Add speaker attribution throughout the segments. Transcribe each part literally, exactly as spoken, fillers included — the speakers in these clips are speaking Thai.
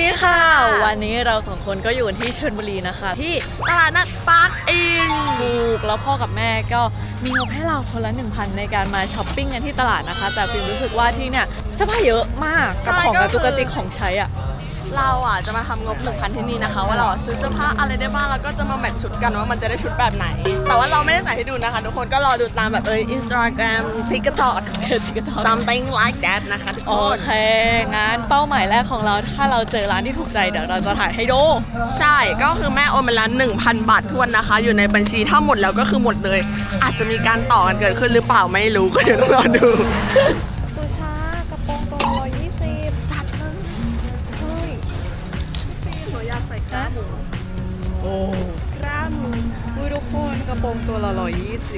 Speaker 1: ดีค่ะวันนี้เราสองคนก็อยู่ที่ชลบุรีนะคะที่ตลาดนัดปาร์คอินถูกแล้วพ่อกับแม่ก็มีงบให้เราคนละ หนึ่งพัน ในการมาช้อปปิ้งกันที่ตลาดนะคะแต่ฟิล์มรู้สึกว่าที่เนี่ยเสื้อผ้าเยอะมากกับของกระจุกกระจิกของใช้อ่ะ
Speaker 2: เราอ่ะจะมาทำงบ หนึ่งพัน ที่นี่นะคะว่าเราซื้อเสื้อผ้าอะไรได้บ้างแล้วก็จะมาแมทชุดกันว่ามันจะได้ชุดแบบไหนแต่ว่าเราไม่ได้ใส่ให้ดูนะคะทุกคนก็รอดูตามแบบเออ Instagram TikTok something like that นะคะทุกคน
Speaker 1: โอเคงั้นเป้าหมายแรกของเราถ้าเราเจอร้านที่ถูกใจเดี๋ยวเราจะถ่ายให้ดู
Speaker 2: ใช่ก็คือแม่โอนมาแล้ว หนึ่งพัน บาททวนนะคะอยู่ในบัญชีถ้าหมดแล้วก็คือหมดเลยอาจจะมีการต่อกันเกิดขึ้นหรือเปล่าไม่รู้ก็เดี๋ยวรอดู
Speaker 1: สุชากระโปรงตัวร้อยยี่สิบจัดเลยเฮ้ย
Speaker 2: หนูอยากใส่กล้ามหมู
Speaker 1: โอ้
Speaker 2: กล้ามหมู
Speaker 1: อุ้ยทุกคนกระโปรงตัวละร้อยยี่สิบ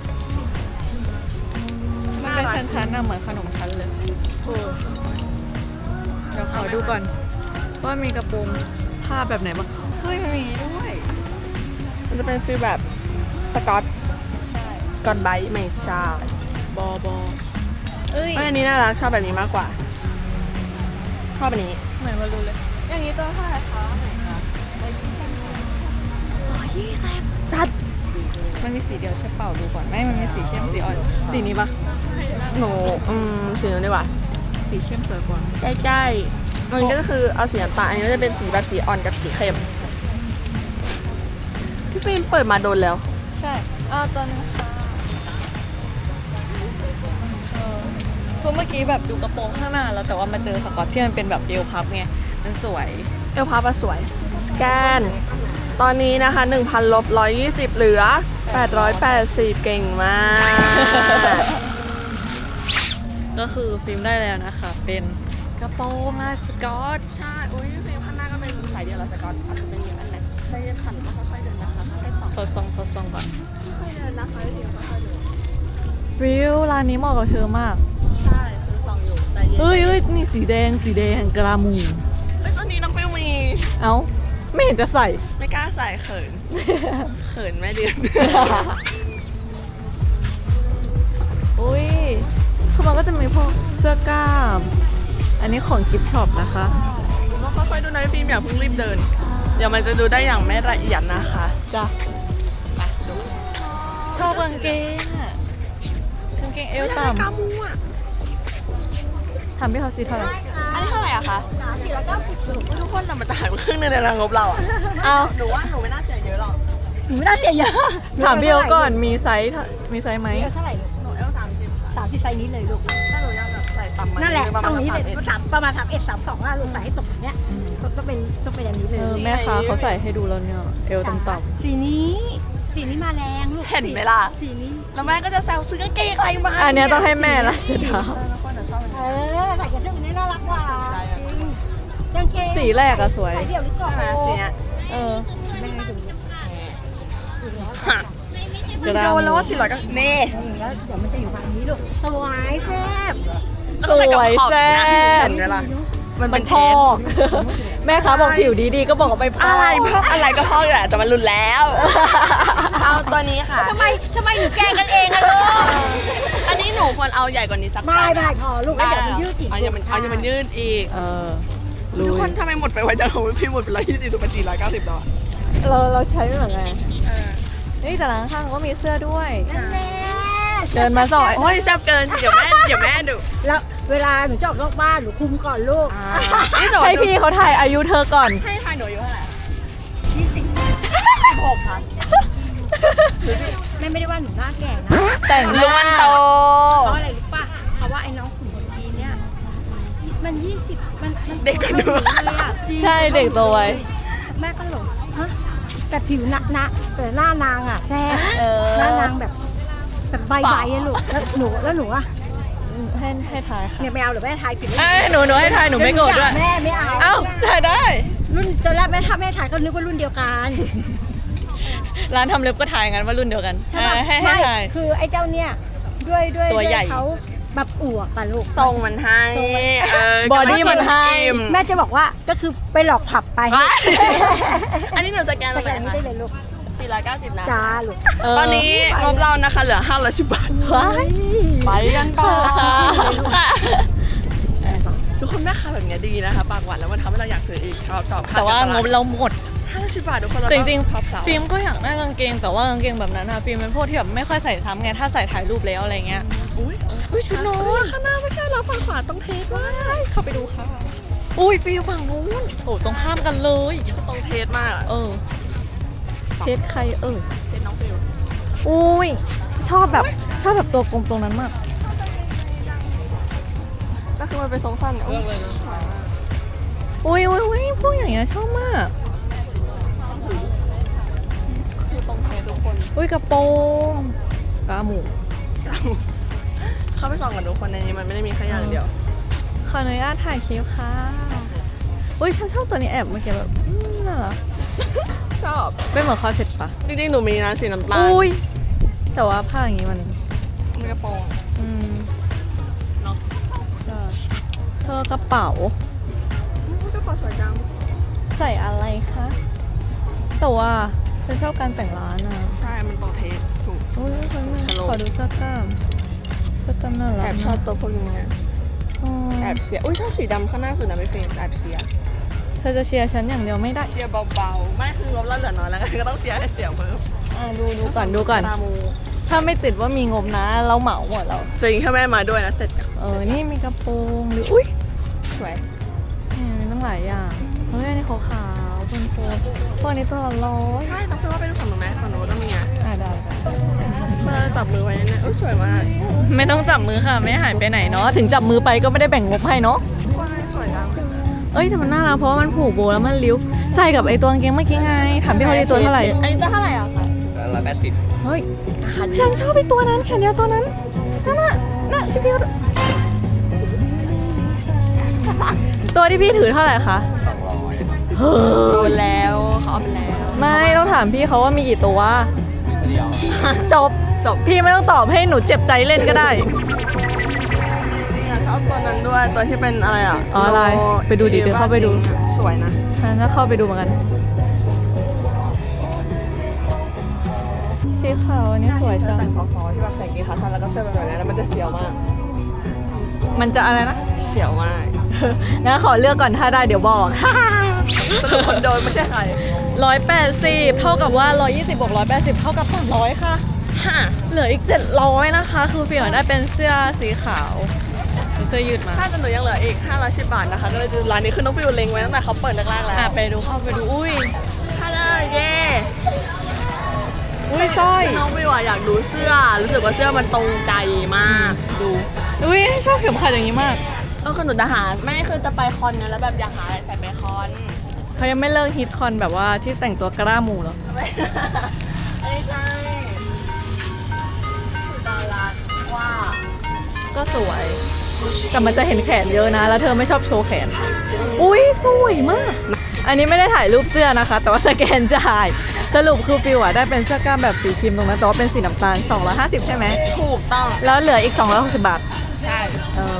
Speaker 1: มันเป็นชั้นๆนะเหมือนขนมชั้นเลยโอ้เดี๋ยวขอดูก่อนว่ามีกระโปรงผ้าแบบไหนบ้างเฮ้ยมันมีด้วย
Speaker 2: มันจะเป็นฟีลแบบสกอต
Speaker 1: ใช่
Speaker 2: สกอตไบท์ไม่ใช่
Speaker 1: บอบอ
Speaker 2: เอ้ยอันนี้น่ารักชอบแบบนี้มากกว่าชอบแบบนี้
Speaker 1: เหมือนมารู้เลยอย่างนี้ตัวเท่าไหร่คะร้อยยี่สิบจัดมันมีสีเดียวใช่เปล่าดูก่อนไม่มันมีสีเข้มสีอ่อนสีนี้ปะ
Speaker 2: หนูอืมสีนู้นดีกว่า
Speaker 1: สีเข้มสวยกว่า
Speaker 2: ใกล้ๆมันก็คือเอาสีน้ำตาลอันนี้ก็จะเป็นสีแบบสีอ่อนกับสีเข้มที่ฟิล์มเปิดมาโดนแล้ว
Speaker 1: ใช่อ้าวตอนนี้ค่ะเพราะเมื่อกี้แบบดูกระโปรงข้างหน้าแล้วแต่ว่ามาเจอสกอตที่มันเป็นแบบเอวพับไงมันสวย
Speaker 2: เอวพับอะสวยสแกนตอนนี้นะคะ หนึ่งพัน ลบหนึ่งร้อยยี่สิบเหลือแปดร้อยแปดสิบเก่งมาก
Speaker 1: ก็คือฟิล์มได้แล้วนะคะเป็นกระโปรงลายสกอต
Speaker 2: ใช่อุ้ยฟิล์มข้างหน้าก็เป็นสายเดียวละสกอตอาจจะเป็นอย่างนั้นแหละใช้ขันก็ค่อยๆเดินนะคะค่อยๆส่อง
Speaker 1: สดส่องสดส่องก่อน
Speaker 2: ค่อยๆเดินนะคะเดี๋ยวค่อยๆเดิน
Speaker 1: ฟิลร้านนี้เหมาะกับเธอมาก
Speaker 2: ใช่ซื้อส่องอยู่แต่เย็น
Speaker 1: เอ้ยเอ้ยนี่สีแดงสีแดงกรามู
Speaker 2: เอ้ยตอนนี้น้องฟิลมี
Speaker 1: เอ้าไม่เห็นจะใส่
Speaker 2: ไม่กล้าใส่เขินเขินแม่เดือน
Speaker 1: อุ้ยคือมันก็จะมีพวกเสื้อกล้ามอันนี้ของกิฟต์ช็อปนะคะ
Speaker 2: ก็ค่อยๆดูนะฟิล์มอย่าเพิ่งรีบเดินเดี๋ยวมันจะดูได้อย่างไม่ละเอียดนะคะ
Speaker 1: จ้ะ
Speaker 2: ไปดู
Speaker 1: ชอบกางเกงอ่ะกางเกงเอวต่ำ
Speaker 2: กามูอ่ะ
Speaker 1: ทำพี่เขาซีเท่าไหร่
Speaker 2: อันนี้เท่าไหร่อะคะสี่ร้อยเก้าสิบทุกคนนำมาจ่ายครึ่งนึงในรางงบเราอะ
Speaker 1: เอา
Speaker 2: หนูว่าหนูไม่น่าเสียเยอะหรอก
Speaker 3: หนูไม่น่าเสียเยอะ
Speaker 1: ถามพี่เขาก่อนมีไซส์มีไซส์ไหม
Speaker 3: เท่าไหร่
Speaker 2: หนูเอลสามสิบ
Speaker 3: สามสิบไซส์นี้เลยลูก
Speaker 2: ถ้าหนูยังแบบใส่ต่ำมา
Speaker 3: นั่นแหละตรงนี้เลยสามประมาณสามเอ็ดสามสองอะลูกใส่ให้ตกอย่างเนี้ยก็เป็นก็เป็นอันนี้เลย
Speaker 1: แม่ค้าเขาใส่ให้ดูแล้วเนี่ยเอวต่ำ
Speaker 3: ๆสีนี้สีนี้มาแรงลูก
Speaker 2: เห็นไหมล่ะ
Speaker 3: สีนี้
Speaker 2: แล้วแม่ก็จะแซวซื้อกางเกงอะไรมา
Speaker 1: อันนี้ต้องให้แม่ละเสื้อเท้า
Speaker 3: เออใส่กับเสื้อนี้น่ารักกว่าจริงกางเกง
Speaker 1: สีแรกอะสวย
Speaker 3: ใส่เดี่ยวหรือเปล่า
Speaker 2: สีเนี้ย
Speaker 1: เออ
Speaker 3: แม่ดู
Speaker 2: จะโดนแล้วว่าสี่ร้อยก็เน่
Speaker 3: แล้วเดี๋ยวมันจะอยู่ฝั่งนี้ลูกสวยแซ่บ
Speaker 1: สวยแซ่บ
Speaker 2: เห็นไหมล่ะมันเป็น
Speaker 1: พอกแม่ค้าบอกผิวดีๆก็บอกไปพอก
Speaker 2: อะไรพอกอะไรก็พอกอยู่แหละแต่มันรุนแล้วเอาตัวนี้ค่ะ
Speaker 3: ทำไมทำไมหนูแกล้งกันเองอะลูก
Speaker 2: อันนี้หนูควรเอาใหญ่กว่านี้สัก
Speaker 3: ไม่ไม่พอลูกแล้วเดี๋ยวมันยืดอีก
Speaker 2: เอาอย่ามันเอาอย่ามันยืดอีก
Speaker 1: เออ
Speaker 2: ทุกคนทำไมหมดไปไวจังของพี่หมดไปร้อยยี่สิบดูเป็นสี่ร้อยเก้าสิบแล้ว
Speaker 1: เราเราใช้ไม่เหมือนไงนี่แต่ร้านข้างก็มีเสื้อด้วยเดินมาสอย
Speaker 2: โอ้ยแซ่บเกินเดี๋ยวแม่เดี๋ยวแม่ดู
Speaker 3: แล้วเวลาหนูจะออกนอกบ้านหนูคุมก่อนลูก
Speaker 1: ให้พี่เขาถ่ายอายุเธอก่อน
Speaker 2: ให้ถ่ายหนูอายุเท่าไหร่
Speaker 3: ยี่สิบ
Speaker 2: สิบหกค่ะ
Speaker 3: แม่ไม่ได้ว่าหนูหน้าแก่นะ
Speaker 1: แต่งหน้า
Speaker 2: โต
Speaker 3: เพราะอะไรรู้ป่ะเพราะว่าไอ้น้องขุนคนนี้เนี่ยมันยี่สิบมันมัน
Speaker 2: เด็กกันด้วย
Speaker 1: ใช่เด็กโตไว้
Speaker 3: แม่ก็หลงฮะแต่ผิวหนักนะแต่หน้านางอ่ะแซ่บหน้านางแบบแบบใบใบอะลูกแล้วหนูแล้วหนูอะ
Speaker 1: ให้ให้ทายค่ะ
Speaker 3: เนี่ยไม่เอาหรือแม่ทายผิด
Speaker 1: เอ้หนูหนูให้ทายหนูไม่โกรธด้วย
Speaker 3: แม่ไม่เอา
Speaker 1: เอ้าทายได้
Speaker 3: รุ่นตอนแรกแม่ถ้าแม่ทายก็นึกว่ารุ่นเดียวกัน
Speaker 1: ร้านทำเล็บก็ทายงั้นว่ารุ่นเดียวกัน
Speaker 3: ใช่
Speaker 1: ให้ให้ทาย
Speaker 3: คือไอ้เจ้าเนี่ยด้วยด้วย
Speaker 1: ตัวใหญ่
Speaker 3: เขาแบบอวบกันลูก
Speaker 2: ทรงมันให้
Speaker 1: บอดี้มันให้
Speaker 3: แม่จะบอกว่าก็คือไปหลอกผับไป
Speaker 2: อันนี้หนูสแกน
Speaker 3: สแกนไม่ได้เลยลูก
Speaker 2: สี่ร้อยเก้าสิบนะ
Speaker 3: จ้าลูก
Speaker 2: ตอนนี้งบเรานะคะเหลือห้าร้อยสิบบาทไปกันต่อค่ะทุกคนแม่ค้าแบบนี้ดีนะคะปากหวานแล้วมันทำให้เราอยากซื้ออีกชอบชอบ
Speaker 1: แต่ว่างบเราหมด
Speaker 2: ห้าสิบบาททุกคนเรา
Speaker 1: แต่จริง
Speaker 2: พับเสา
Speaker 1: ๆฟิล์มก็อยากได้กางเกงแต่ว่ากางเกงแบบนั้นอะฟิล์มเป็นพวกที่แบบไม่ค่อยใส่ซ้ำไงถ้าใส่ถ่ายรูปแล้วอะไรเงี้ย
Speaker 2: อุ้ย
Speaker 1: อุ้ยชุดนอน
Speaker 2: ข้างหน้าไม่ใช่เราฝั่งขวาต้องเทสว่าเข้าไปดูค่ะ
Speaker 1: อุ้ยฟิล์มฝั่งนู้นโอ้ตรงข้ามกันเลย
Speaker 2: ต้องเทสมากอะ
Speaker 1: เออเทสใครเออ
Speaker 2: เทสน้องฟิว
Speaker 1: อุ้ยชอบแบบชอบแบบตัวกลมตรงนั้นมาก
Speaker 2: ก็คือมันเป็นทรงสั้นเลือกเลยนะ
Speaker 1: อุ้ยอุ้ยอุ้ยพวกอย่างเงี้ยชอบมาก
Speaker 2: คือต้องเทสทุกคน
Speaker 1: อุ้ยกระโปรงกระหมู
Speaker 2: เข้าไปส่องกันทุกคนในนี้มันไม่ได้มีแค่อย่างเดียว
Speaker 1: ขออนุญาตถ่ายคลิปค่ะอุ้ยฉันชอบตัวนี้แอบเมื่อกี้แบบอืมน่ารัก
Speaker 2: ชอบ
Speaker 1: เป็นเหมือนคอร์เซ็ตปะ
Speaker 2: จริงๆหนูมีนะสีน้ำตาล
Speaker 1: อุ้ยแต่ว่าผ้าอย่างงี้มัน
Speaker 2: มันกระโปรง
Speaker 1: อืม
Speaker 2: เนาะ
Speaker 1: ใช่เธอกระเป๋า
Speaker 2: กระเป๋าสวยจัง
Speaker 1: ใส่อะไรคะแต่ว่าฉันชอบการแต่งร้านอ่ะ
Speaker 2: ใช่มันต้องเทสถูก
Speaker 1: อุ้ยฉัน
Speaker 2: ชะโลม
Speaker 1: ขอดูเสื้อกล้ามเสื้อกล้ามน่ารัก
Speaker 2: แอบชอบตัวพวกนี้ไง
Speaker 1: อ๋อ
Speaker 2: แอบเชียร์อุ้ยชอบสีดำข้างหน้าสุดนะไม่เฟรมแอบเชียร์
Speaker 1: เธอจะเชียร์ฉันอย่างเดียวไม่ได้
Speaker 2: เชียร์เบาๆไม่คืองบเราเหลือน้อยแล้วไงก็ต้องเชียร์ให้เสียงเพิ่ม
Speaker 1: อ่ะดูดูก่อนดูก่อน
Speaker 2: ตามู
Speaker 1: ถ้าไม่ติดว่ามีงบนะ เราเหมาหมดแล้ว
Speaker 2: จริงถ้าแม่มาด้วยนะเสร็จกัน
Speaker 1: เออ นี่มีกระโปรงหรืออุ้ย
Speaker 2: สวย
Speaker 1: นี่มีตั้งหลายอย่าง เฮ้ย อันนี้ขาวขาวๆเป็นโฟมพวกนี้ตัวละร้อย
Speaker 2: ใช่ต้องเฟรมว่าไปดูฝั่งหนูไหมฝั่งหนูก็มีไง
Speaker 1: อ่ะได้ได้
Speaker 2: เมื่อจับมือไว้เนี่ยอุ้ยสวยมาก
Speaker 1: ไม่ต้องจับมือค่ะ ไม่หายไปไหนเนาะ ถึงจับมือไปก็ไม่ได้แบ่งงบให้เนาะ
Speaker 2: ว้ายสวยจัง
Speaker 1: เอ้ยแต่มันน่ารักเพราะว่ามันผูกโบแล้วมันริ้ว ใส่กับไอ้ตัวกางเกงเมื่อกี้ไง ถามพี่เขาดีตัวเท่าไหร่
Speaker 2: อันนี้จะเท่าไหร่อ่ะคะ
Speaker 4: ร้อยแปดสิบ
Speaker 1: เฮ้ย ฉันชอบไอ้ตัวนั้นแขนยาวตัวนั้น นั่นน่ะน่ะชิพี่เขาตัวที่พี่ถือเท่าไหร่คะ
Speaker 4: สองร้อย
Speaker 1: เฮ้
Speaker 2: โด
Speaker 1: ย
Speaker 2: นแล้วเขาเอาไปแล้ว
Speaker 1: ไม่ต้องถามพี่เขาว่ามีกี่ตัว
Speaker 4: เดียว
Speaker 1: จบจบพี่ไม่ต้องตอบให้หนูเจ็บใจเล่นก็ได้
Speaker 2: ชอบตัวนั้นด้วยตัวที่เป็นอะไรอ่ะ
Speaker 1: อ๋ออะไรไปดูดิเดี๋ยวเข้าไปดู
Speaker 2: สวยนะ
Speaker 1: ฉันจะเข้าไปดูเหมือนกันสีขาวอันนี้สวยจัง
Speaker 2: แต่งฟอๆที่แบบใส่กีขาสั้นแล้วก็เสื้อแบบนี้แล้วมันจะเสียวมาก
Speaker 1: มันจะอะไรนะ
Speaker 2: เสียวมาก
Speaker 1: งั้นขอเลือกก่อนถ้าได้เดี๋ยวบอก
Speaker 2: สรุปคนโดนไม่ใช่ใคร
Speaker 1: ร้อยแปดสิบเท่ากับว่าร้อยยี่สิบบวกร้อยแปดสิบเท่ากับสามร้อยค่ะ
Speaker 2: ฮะ
Speaker 1: เหลืออีกเจ็ดร้อยนะคะ คือเปลี่ยนได้เป็นเสื้อสีขาวเสื้อยืดมา
Speaker 2: ถ้าจะหนูยังเหลืออีกห้าร้อยสิบบาทนะคะ ก็เลยจะร้านนี้คือน้องฟิวเล็งไว้ตั้งแต่เขาเปิดแรกๆแล้ว
Speaker 1: อ่ะไปดูเข้าไปดูอุ้ย
Speaker 2: ถ้าเลยเย่
Speaker 1: อุ้ยสร้อย
Speaker 2: น้องฟิวอะอยากดูเสื้อ รู้สึกว่าเสื้อมันตรงใจมากดู
Speaker 1: อุ้ยชอบเข็มขัดอย่างนี้มาก
Speaker 2: เออคือหนูจะหาไม่คือจะไปคอนไงแล้วแบบอยากหาอะไรใส่ไปคอน
Speaker 1: เขายังไม่เลิกฮิตคอนแบบว่าที่แต่งตัวกล้าหมูเหรอ
Speaker 2: ไม่ใช่คือดาราว่า
Speaker 1: ก็สวย แต่มันจะเห็นแขนเยอะนะ แล้วเธอไม่ชอบโชว์แขน อุ้ยสวยมาก อันนี้ไม่ได้ถ่ายรูปเสื้อนะคะ แต่ว่าสแกนจ่าย สรุปคือฟิวอะได้เป็นเสื้อกล้ามแบบสีครีมตรงนั้นแต่ว่าเป็นสีน้ำตาลสองร้อยห้าสิบใช่ไหม
Speaker 2: ถูกต้อง
Speaker 1: แล้วเหลืออีกสองร้อยหกสิบบาท
Speaker 2: ใช่
Speaker 1: เออ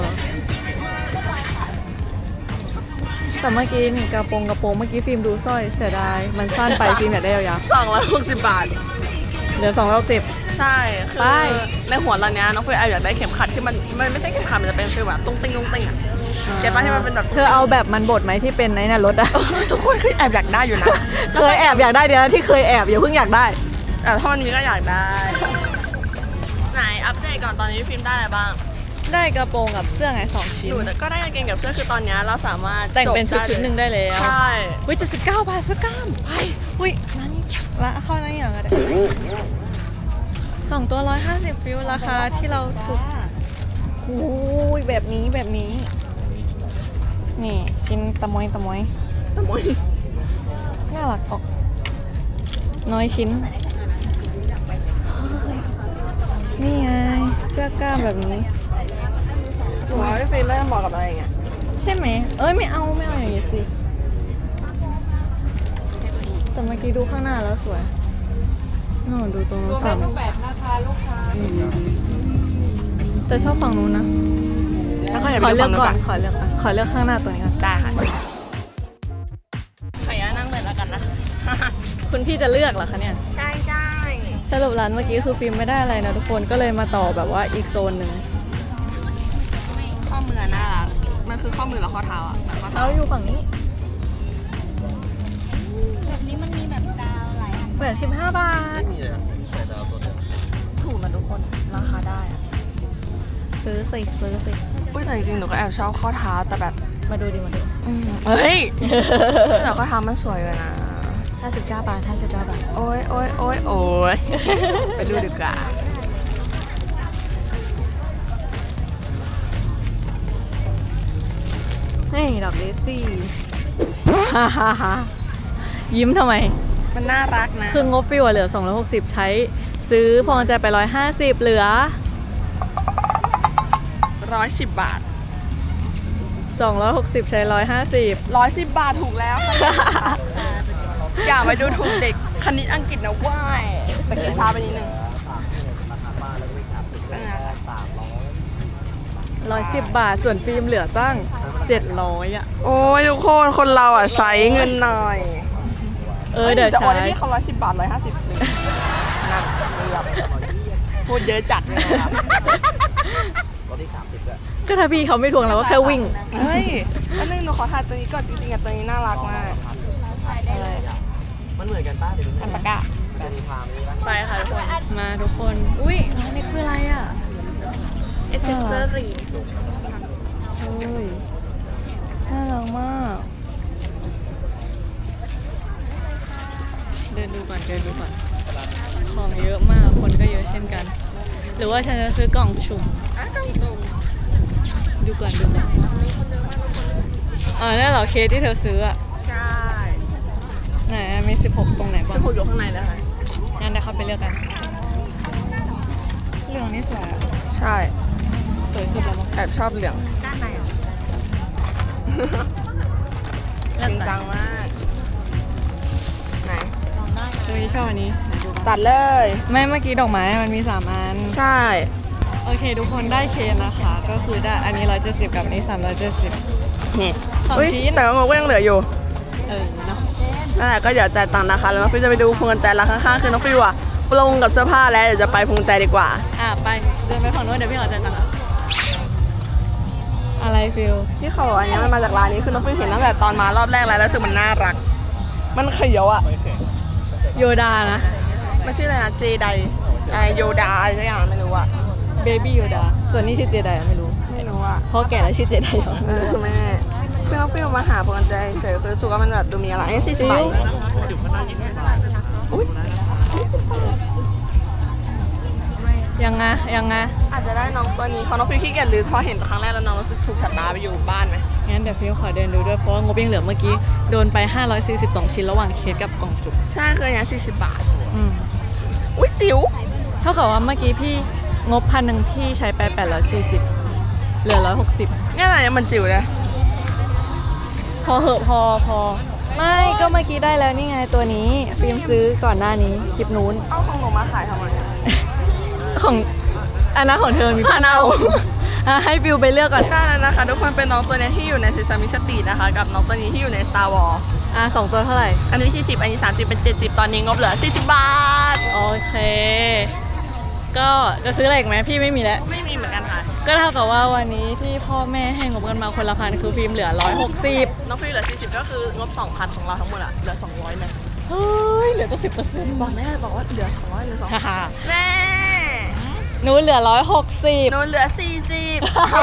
Speaker 1: แต่เมื่อกี้นี่กระโปรงกระโปรงเมื่อกี้ฟิล์มดูสร้อยเสียดาย มันสั้นไปฟิล์มอยากได้ยาว
Speaker 2: สองร้อยหกสิบบาท
Speaker 1: ๆเหลือสองร้อยหกสิบ
Speaker 2: ใช่ คือ
Speaker 1: ไป
Speaker 2: ในหัวเราเนี้ยน้องฟิวแอบอยากได้เข็มขัดที่มันมันไม่ใช่เข็มขัดมันจะเป็นฟิลแบบตุ้งติ้งตุ้งติ้งอ่ะเก็ตป่ะที่มันเป็นแบบ
Speaker 1: เธอเอาแบบมันบดไหมที่เป็นในน่ะรถอะ
Speaker 2: เออทุกคนคือแอบอยากได้อยู่นะ
Speaker 1: เคยแอบอยากได้เดี๋ยวนะที่เคยแอบอย่าเพิ่งอยากได้
Speaker 2: แต่ถ้ามันมีก็อยากได้ ไหนอัปเดตก่อนตอนนี้พิมพ์ได้อะไรบ้าง
Speaker 1: ได้กระโปรงกับเสื้อไงสองชิ้น
Speaker 2: หนูก็ได้กางเกงกับเสื้อคือตอนเนี้ยเราสามารถ
Speaker 1: แต่งเป็นชุด
Speaker 2: จบ
Speaker 1: ชุดหนึ่งได้แล้ว
Speaker 2: ใช่
Speaker 1: อุ้ยเจ็ดสิบเก้าบาทเสื้อกล้ามไปอุ้ยร้านนี้ร้านเข้าร้านนี้เหรอก็ได้สองตัวร้อยห้าสิบฟิวราคาที่เราถูกอุ้ยแบบนี้แบบนี้ นี่ชิ้นตะมอยตะมอย
Speaker 2: ตะมอย
Speaker 1: น่ารักออกน้อยชิ้น นี่ไงเสื้อกล้ามแบบนี้
Speaker 2: หนูว่าพี่ฟิล์มน่าจะเหมาะกับอะไรอย่างเงี้ย
Speaker 1: ใช่ไหม เอ้ยไม่เอาไม่เอาอย่างนี้สิแต่เมื่อกี้ดูข้างหน้าแล้วสวยโน่นดูตรงนู้นฝั่งแบบนะคะลูกค้าแต่ชอบฝั่งนู้นนะ
Speaker 2: แล้วก็อย่า
Speaker 1: ข
Speaker 2: ไป
Speaker 1: อ
Speaker 2: ดู
Speaker 1: เลือ
Speaker 2: ฝั่
Speaker 1: ก
Speaker 2: งนู้น
Speaker 1: ก่อ
Speaker 2: ก่อน น
Speaker 1: ขอเลือกก่อนขอเลือกข้างหน้าตัวนี้ก่อน
Speaker 2: ได้ค่ะขออนุญาตนั่งเลยแล้วกันนะ
Speaker 1: คุณพี่จะเลือกเหรอคะเนี่ย
Speaker 2: ใช่ใช่
Speaker 1: สรุปร้านเมื่อกี้คือฟิล์มไม่ได้อะไรนะทุกคนก็เลยมาต่อแบบว่าอีกโซนหนึ่ง
Speaker 2: ข้อมือน่ารักมันคือข้อมือหรือข้อเท้าอ่ะข้อเท้า
Speaker 1: เราอยู่ฝั่งนี้
Speaker 3: แบบนี้มันมีแบบดาวหลายอัน
Speaker 1: เหมือนสิบห้าบาท
Speaker 4: มีเลยใส่ดาวตัวเดียว
Speaker 1: ถูกนะทุกคนราคาได้อะซื้อสิซื้อสิ
Speaker 2: อุ้ยแต่จริงๆหนูก็แอบชอบข้อเท้าแต่แบบ
Speaker 1: มาดูดิมาดู
Speaker 2: อืมเฮ้ย แต่ข้อเท้ามันสวยเลยนะ
Speaker 1: ห้าสิบเก้าบาทห้าสิบเก้าบาท
Speaker 2: โอ้ยโอ้ยโอ้ยโอ้ย ไปดูดีกว่า
Speaker 1: เฮ้ยดอกเดซี่ฮ่าฮ่าฮ่ายิ้มทำไม
Speaker 2: มันน่ารักนะ
Speaker 1: คืองบฟิวอะเหลือสองร้อยหกสิบใช้ซื้อพวงกุญแจไปหนึ่งร้อยห้าสิบเหลือ
Speaker 2: ร้อยสิบบาท
Speaker 1: สองร้อยหกสิบใช้หนึ่งร้อยห้าสิบ
Speaker 2: ร้อยสิบบาทถูกแล้ว อย่าไปดูถูกเด็กคณิตอังกฤษนะว่ายแต่คิดช้าไปนิดนึง
Speaker 4: ราคาบ้านแล้วก็วิ่งอัพถึง
Speaker 2: เป็นไงคะ
Speaker 4: สามร้อย
Speaker 1: ร้อยสิบบาทส่วนฟิล์มเหลือตั้งเจ็ดร้อยอ่ะ
Speaker 2: โอ้ยทุกคนคนเราอ่ะใช้เงินหน่อย
Speaker 1: เออเดี๋ยว
Speaker 2: จะโอน
Speaker 1: ใช้
Speaker 2: ให้พี่เขาร้อยสิบบาทร้อยห้าสิบเลยนั่นเรียบพูดเยอะจัดเลยนะครับ
Speaker 4: รถที่สามสิบด้วย
Speaker 1: ก็ถ้าพี่เขาไม่ทวงเราก็แค่วิ่ง
Speaker 2: เฮ้ยอันนึงหนูขอถ่ายตัวนี้ก่อนจริงๆอ่ะตัวนี้น่ารักมาก
Speaker 3: ได้เลย
Speaker 4: มันเหมือนกันป้าเดี๋ยวดู
Speaker 2: อันปากกา
Speaker 4: จะมีความนี้นะ
Speaker 2: ไปค่ะทุกคน
Speaker 1: มาทุกคน อุ้ยร้านนี้คืออะไรอ่ะ
Speaker 2: เอเซสเซอรี่
Speaker 1: เฮ้ยน่ารักมาก เดินดูก่อนเดินดูก่อน ของเยอะมาก คนก็เยอะเช่นกัน หรือว่าฉันจะซื้อกล่องชุม
Speaker 2: อ่ะกล่องตุ่ม
Speaker 1: ดูก่อนดูก่อนอ่านั่นเหรอเคสที่เธอซื้ออ่ะ
Speaker 2: ใช่
Speaker 1: ไหนอะมีสิบหกตรงไหนบ้า
Speaker 2: จะ
Speaker 1: ง
Speaker 2: ผูกอยู่ข้างในเลยค่ะ
Speaker 1: งั้นเดี๋ยวเข้าไปเลือกกันเหลืองนี่สวยอะ
Speaker 2: ใช่
Speaker 1: สวยสุดแล้วมั้ง
Speaker 2: แอบชอบเหลือง
Speaker 3: ด้านในอ่ะ
Speaker 2: จริงจังมาก ไหน
Speaker 3: ลองได้นะ
Speaker 1: เฮ้ยชอบอันนี้ไหนดูบ้าง
Speaker 2: ตัดเลย
Speaker 1: ไม่เมื่อกี้ดอกไม้มันมีสามอัน
Speaker 2: ใช่
Speaker 1: โอเค ทุกคนได้เคสนะคะ ก็คือได้อันนี้ร้อยเจ็ดสิบกับอันนี้สามร้อยเจ็ดสิบ
Speaker 2: นี่
Speaker 1: สอง
Speaker 2: อุ๊ย
Speaker 1: ชิ้น
Speaker 2: แต่ว่างบก็ยังเหลืออยู่
Speaker 1: เออเนาะ
Speaker 2: นั่นแหละก็เดี๋ยวจ่ายตังค์นะคะ แล้วน้องฟิวจะไปดูพวงกุญแจร้านข้างๆคือน้องฟิวอะปลงกับเสื้อผ้าแล้วเดี๋ยวจะไปพวงกุญแจดีกว่า
Speaker 1: อ่ะไปเดินไปฝั่งโน้นเดี๋ยวพี่ขอจ่ายตังค์อะไรฟิล
Speaker 2: ที่เขาบอกอันเนี้ยมันมาจากร้านนี้คือน้องฟิวเห็นตั้งแต่ตอนมารอบแรกแล้วแล้วรู้สึกมันน่ารัก มันเขียวอะ
Speaker 1: โยดานะ
Speaker 2: มันชื่ออะไรนะเจไดอะไรโยดาอะไรสักอย่างไม่รู้อะ
Speaker 1: เบบี้โยดาส่วนนี้ชื่อเจไดไม่รู้
Speaker 2: ไม่รู้อะ
Speaker 1: เพราะแก่แล้วชื่อเจไดเหรอ
Speaker 2: เออแม่คือน้องฟิวมาหาพวงกุญแจเฉยคือรู้สึกว่ามันแบบดูมีอะไรอันนี้สี่สิบบาทอุ้ย
Speaker 1: ยังไงยังไง
Speaker 2: อาจจะได้น้องตัวนี้เพราะน้องฟิวขี้เกียจหรือพอเห็นครั้งแรกแล้วน้องรู้สึกถูกฉัดตาไปอยู่บ้านไหม
Speaker 1: งั้นเดี๋ยวฟิลขอเดินดูด้วยเพราะว่างบยังเหลือเมื่อกี้โดนไปห้าร้อยสี่สิบสองชิ้นระหว่างเคสกับกล่องจุก
Speaker 2: ใช่คืออันเนี้สี่สิบบาท
Speaker 1: อืม
Speaker 2: อุ้ยจิ๋ว
Speaker 1: เท่ากับว่าเมื่อกี้พี่งบพันหนึ่งพี่ใช้ไปแปดร้อยสี่สิบเหลือร้อยหกสิบ
Speaker 2: เนี่ยอะไรเนี่ยมันจิ๋วเลย
Speaker 1: พอเหอะพอพอ ไม่ก็เมื่อกี้ได้แล้วนี่ไงตัวนี้ฟิล์มซื้อก่อนหน้านี้คลิปนู้น
Speaker 2: เอาของหนูมาขายทำไมอะ
Speaker 1: ของอันนั้นของเธอมี
Speaker 2: ผ่านเอา
Speaker 1: อ่ะให้ฟิลไปเลือกก่อน
Speaker 2: ได้แล้วนะคะทุกคนเป็นน้องตัวเนี้ยที่อยู่ใน Sesame Street นะคะกับน้องตัวนี้ที่อยู่ใน Star Wars
Speaker 1: อ่ะสองตัวเท่าไหร่
Speaker 2: อันนี้สี่สิบอันนี้สามสิบเป็นเจ็ดสิบตอนนี้งบเหลือสี่สิบบาท
Speaker 1: โอเค ก็จะซื้ออะไรอีกไหมพี่ไม่มีแล้ว
Speaker 2: ไม่มีเหมือนกันค่ะ
Speaker 1: ก็เท่ากับว่าวันนี้ที่พ่อแม่ให้งบกันมาคนละพันคือฟิล์มเหลือร้อยหกสิบ
Speaker 2: น้องฟิวเหลือสี่สิบก็คืองบสองพันของเราทั้งหมดอะเหลือสองร้อยไหม
Speaker 1: เฮ้ยเหลือตั้งสิบเปอร์เซ็นต์
Speaker 2: บอกแม่บอกว่าเหลือสองร้อยเหลือสอง
Speaker 1: ฮ่าฮ่า
Speaker 2: แม่
Speaker 1: หนูเหลือร้อยหกสิบ
Speaker 2: หนูเหลือสี่สิบ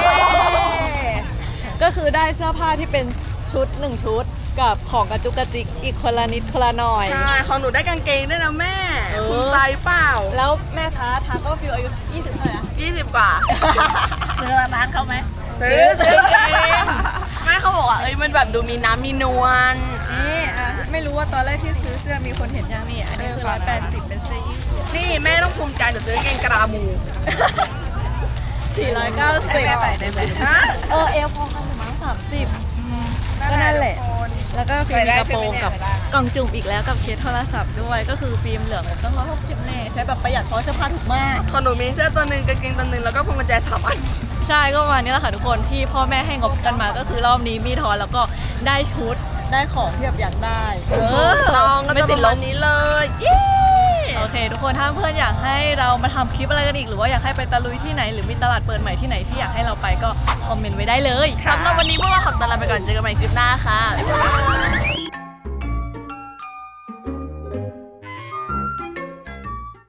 Speaker 1: ก็คือได้เสื้อผ้าที่เป็นชุดหนึ่งชุดกับของกระจุกกระจิกอีกคนละนิดคนละหน่อย
Speaker 2: ใช่ของหนูได้กางเกงด้วยนะแม่
Speaker 1: เออ
Speaker 2: ภูมิใจเปล่า
Speaker 1: แล้วแม่ท้าท้าก็ฟิลอายุยี่สิบเท่าไหร่นะ
Speaker 2: ยี่สิบกว่า
Speaker 1: ซื้อร้านเขาไหม
Speaker 2: ซื้อซื้อเกงแม่เขาบอกว่าเอ้ยมันแบบดูมีน้ำมีนวล
Speaker 1: นี่อ่ะไม่รู้ว่าตอนแรกที่ซื้อเสื้อมีคนเห็นยังนี่อันนี้คือ
Speaker 2: เออ
Speaker 1: ร้อยแปดสิบเป็นเสื้อยืด
Speaker 2: นี่แม่ต้องภูมิใจเดี๋ยวซื้อกางเกงกรามู
Speaker 1: สี่ร้อยเก้าสิบ
Speaker 2: ใส่ได้ไหมฮะ
Speaker 1: เออเอลพอกันถึงมั้งสามสิบก็นั่นแหละ แล้วก็ฟิล์มมีกระโปรงกับกล่องจุ่มอีกแล้วกับเคสโทรศัพท์ด้วย ก็คือฟิล์มเหลืองต้องร้อยหกสิบเน่ใช้แบบประหยัดเพราะเสื้อผ้าถูกมาก
Speaker 2: ของหนูมีเสื้อตัวหนึ่งกางเกงตัวหนึ่งแล้วก็พวงกุญแจสามอัน
Speaker 1: ใช่ก็ประมาณนี้แหละค่ะทุกคนที่พ่อแม่ให้งบกันมาก็คือรอบนี้มีทอนแล้วก็ได้ชุดได้ของที่แบบอยากได้เออ
Speaker 2: น้องก็
Speaker 1: ไม่
Speaker 2: จะป
Speaker 1: ติด
Speaker 2: ระ
Speaker 1: ล
Speaker 2: มาณ
Speaker 1: บ
Speaker 2: นี้เลยเย้
Speaker 1: โอโอเคทุกคนถ้าเพื่อนอยากให้เรามาทำคลิปอะไรกันอีกหรือว่าอยากให้ไปตะลุยที่ไหนหรือมีตลาดเปิดใหม่ที่ไหนที่อยากให้เราไปก็คอมเมนต์ไว้ได้เลย
Speaker 2: สำหรับวันนี้พวกเราขอตัวลาไปก่อนเจอกันใหม่คลิปหน้าค่ะบ๊ายบาย